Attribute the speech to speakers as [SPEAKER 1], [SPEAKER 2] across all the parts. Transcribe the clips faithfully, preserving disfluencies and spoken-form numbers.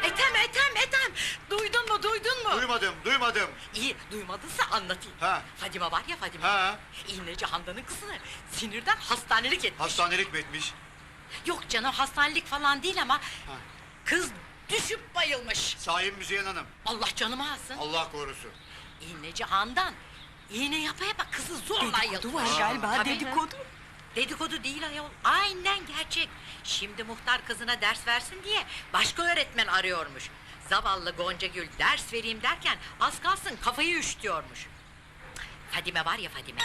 [SPEAKER 1] Ethem, Ethem, Ethem! Duydun mu, duydun mu?
[SPEAKER 2] Duymadım, duymadım.
[SPEAKER 1] İyi, duymadınsa anlatayım.
[SPEAKER 2] Ha.
[SPEAKER 1] Fadime var ya Fadime.
[SPEAKER 2] Ha.
[SPEAKER 1] İğneci Handan'ın kızını sinirden hastanelik etmiş.
[SPEAKER 2] Hastanelik mi etmiş?
[SPEAKER 1] Yok canım, hastanelik falan değil ama...
[SPEAKER 2] Ha.
[SPEAKER 1] Kız düşüp bayılmış.
[SPEAKER 2] Sahi Müzeyyen Hanım.
[SPEAKER 1] Allah canımı alsın.
[SPEAKER 2] Allah korusun.
[SPEAKER 1] İğneci Handan, iğne yapa yapa kızı zorla
[SPEAKER 3] Dedikodu
[SPEAKER 1] yılmış.
[SPEAKER 3] var galiba,
[SPEAKER 1] Tabii.
[SPEAKER 3] dedikodu.
[SPEAKER 1] Dedikodu değil ayol, aynen gerçek. Şimdi muhtar kızına ders versin diye başka öğretmen arıyormuş. Zavallı Goncagül ders vereyim derken az kalsın kafayı üşütüyormuş. Fadime var ya Fadime.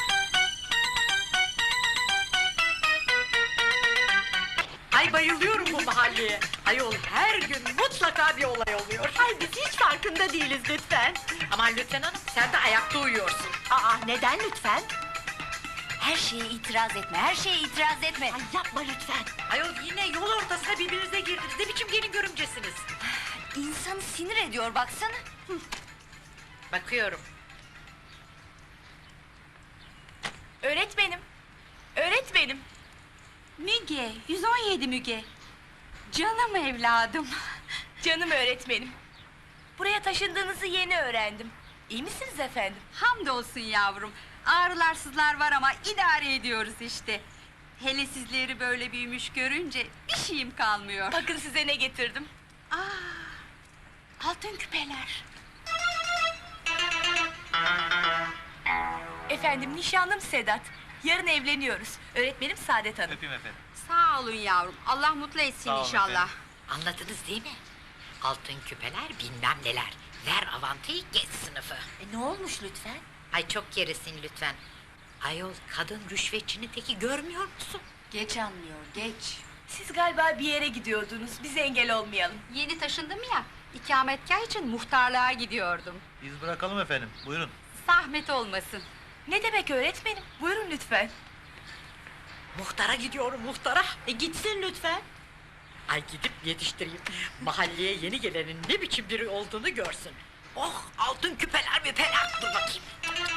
[SPEAKER 1] Ay bayılıyorum bu mahalleye. Ayol her gün mutlaka bir olay oluyor.
[SPEAKER 3] Ay biz hiç farkında değiliz lütfen.
[SPEAKER 1] Aman lütfen hanım, sen de ayakta uyuyorsun.
[SPEAKER 3] Aa neden lütfen?
[SPEAKER 4] Her şeye itiraz etme, her şeye itiraz etme.
[SPEAKER 3] Ay yapma lütfen.
[SPEAKER 1] Ayol yine yol ortasına birbirinize girdiniz. Ne biçim gelin görümcesiniz?
[SPEAKER 4] İnsanı sinir ediyor baksana.
[SPEAKER 1] Bakıyorum.
[SPEAKER 3] Öğretmenim. Öğretmenim.
[SPEAKER 5] Müge, yüz on yedi Müge. Canım evladım.
[SPEAKER 3] Canım öğretmenim. Buraya taşındığınızı yeni öğrendim. İyi misiniz efendim?
[SPEAKER 5] Hamdolsun yavrum. Ağrılar sızlar var ama idare ediyoruz işte. Hele sizleri böyle büyümüş görünce bir şeyim kalmıyor.
[SPEAKER 3] Bakın size ne getirdim.
[SPEAKER 5] Aa, altın küpeler.
[SPEAKER 3] Efendim nişanlım Sedat. Yarın evleniyoruz. Öğretmenim Saadet Hanım.
[SPEAKER 6] Öpeyim efendim.
[SPEAKER 5] Sağ olun yavrum. Allah mutlu etsin
[SPEAKER 6] Sağ olun
[SPEAKER 5] inşallah.
[SPEAKER 6] efendim.
[SPEAKER 1] Anladınız değil mi? Altın küpeler bilmem neler. Ver avantayı geç sınıfı.
[SPEAKER 4] E, ne olmuş lütfen?
[SPEAKER 1] Ay çok gerisin lütfen. Ayol kadın rüşvetçinin teki görmüyor musun?
[SPEAKER 4] Geç anlıyor, geç.
[SPEAKER 3] Siz galiba bir yere gidiyordunuz. Bize engel olmayalım.
[SPEAKER 5] Yeni taşındım ya, ikametgah için muhtarlığa gidiyordum.
[SPEAKER 6] Biz bırakalım efendim. Buyurun.
[SPEAKER 5] Zahmet olmasın.
[SPEAKER 3] Ne demek öğretmenim? Buyurun lütfen.
[SPEAKER 1] Muhtara gidiyorum muhtara. E gitsin lütfen. Ay gidip yetiştireyim. Mahalleye yeni gelenin ne biçim biri olduğunu görsün. Oh altın küpeler müpeler. Dur bakayım.